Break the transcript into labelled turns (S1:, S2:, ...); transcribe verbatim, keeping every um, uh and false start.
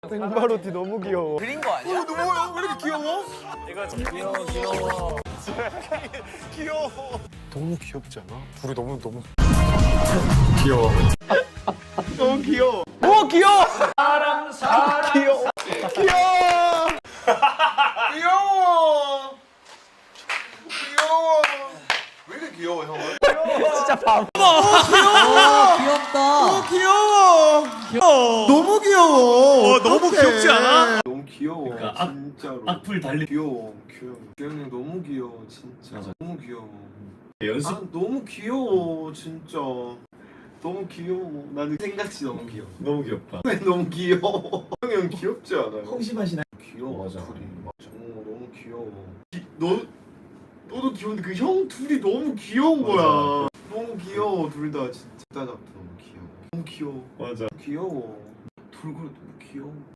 S1: 생바로티 너무 귀여워.
S2: 그린 거 아니야?
S3: 어, 너무 왜 이렇게 귀여워?
S2: 이거 좀 귀여워 귀여워.
S3: 귀여워.
S1: 너무 귀엽지 않아? 둘이 너무 너무
S3: 귀여워. 너무 귀여워.
S2: 오 귀여워.
S3: 사랑 사랑 귀여워. 귀여워. 귀여워. 귀여워. 왜 이렇게 귀여워 형은?
S2: 진짜 바보.
S3: 귀엽다. 귀여워. 귀여워. 너무 귀여워.
S4: 어, 너무 귀엽지 않아?
S3: 너무 귀여워.
S4: 그러니까 악-
S3: 진짜로.
S4: 악플 달리.
S3: 귀여워. 귀여워. 주영이 너무 귀여워 진짜.
S4: 맞아.
S3: 너무 귀여워.
S4: 연습.
S3: 아 너무 귀여워 진짜. 너무 귀여워. 나는 생각이 너무 귀여워.
S4: 너무 귀엽다.
S3: 너무 귀여워. 형이 형 귀엽지 않아요?
S4: 홍시맛이 나.
S3: 귀여워.
S4: 맞아.
S3: 둘이. 정우 너무 귀여워. 기, 너 너도 귀여운데 그 형 둘이 너무 귀여운
S4: 맞아.
S3: 거야. 너무 귀여워 둘 다 진짜. 따닥 너무 귀여워. 너무 귀여워.
S4: 맞아.
S3: 귀여워. 돌고래 너무 귀여워.